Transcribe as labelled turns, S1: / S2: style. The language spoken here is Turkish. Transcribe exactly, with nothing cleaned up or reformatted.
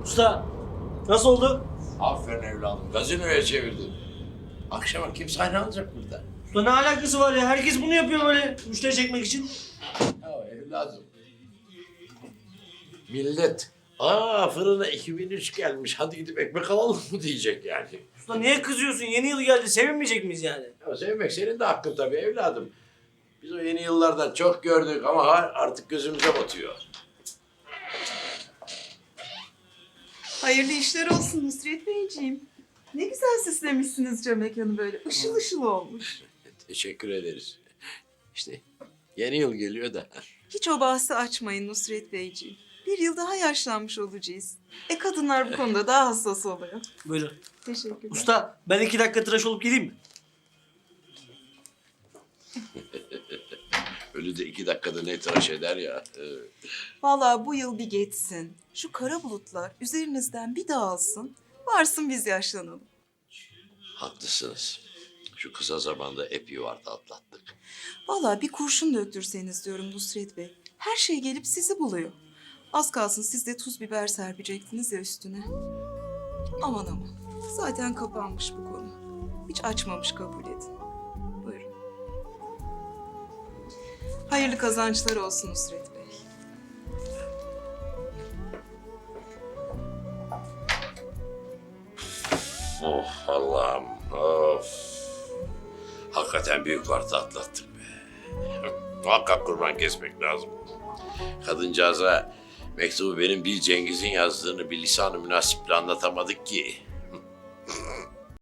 S1: Usta nasıl oldu?
S2: Aferin evladım. Gazinoya çevirdin. Akşama kim sahne alacak burada?
S1: Usta ne alakası var ya? Herkes bunu yapıyor böyle müşteri çekmek için.
S2: Ya evladım. Millet, aa fırına iki bin üç gelmiş, hadi gidip ekmek alalım mı diyecek yani.
S1: Usta niye kızıyorsun? Yeni yıl geldi. Sevinmeyecek miyiz yani?
S2: Ya sevmek senin de hakkın tabii evladım. Biz o yeni yıllardan çok gördük ama ha- artık gözümüze batıyor.
S3: Hayırlı işler olsun Nusret Beyciğim. Ne güzel süslemişsiniz cam mekanı böyle. Işıl ışıl olmuş.
S2: Teşekkür ederiz. İşte yeni yıl geliyor da.
S3: Hiç o bahsi açmayın Nusret Beyciğim. Bir yıl daha yaşlanmış olacağız. E kadınlar bu konuda daha hassas oluyor.
S1: Buyurun.
S3: Teşekkürler.
S1: Usta ben iki dakika tıraş olup geleyim mi?
S2: Ölü de iki dakikada ne tıraş eder ya. Ee,
S3: Vallahi bu yıl bir geçsin. Şu kara bulutlar üzerinizden bir dağılsın. Varsın biz yaşlanalım.
S2: haklısınız. Şu kısa zamanda ep yuvarda atlattık.
S3: Vallahi bir kurşun döktürseniz diyorum Nusret Bey. Her şey gelip sizi buluyor. Az kalsın siz de tuz biber serpecektiniz ya üstüne. Aman aman. Zaten kapanmış bu konu. Hiç açmamış kabul edin. Buyurun. Hayırlı kazançlar olsun Nusret Bey.
S2: Oh Allah'ım, of. Hakikaten büyük varta atlattık be. Muhakkak kurban kesmek lazım. Kadıncağıza mektubu benim bir Cengiz'in yazdığını bir lisan-ı münasiple anlatamadık ki.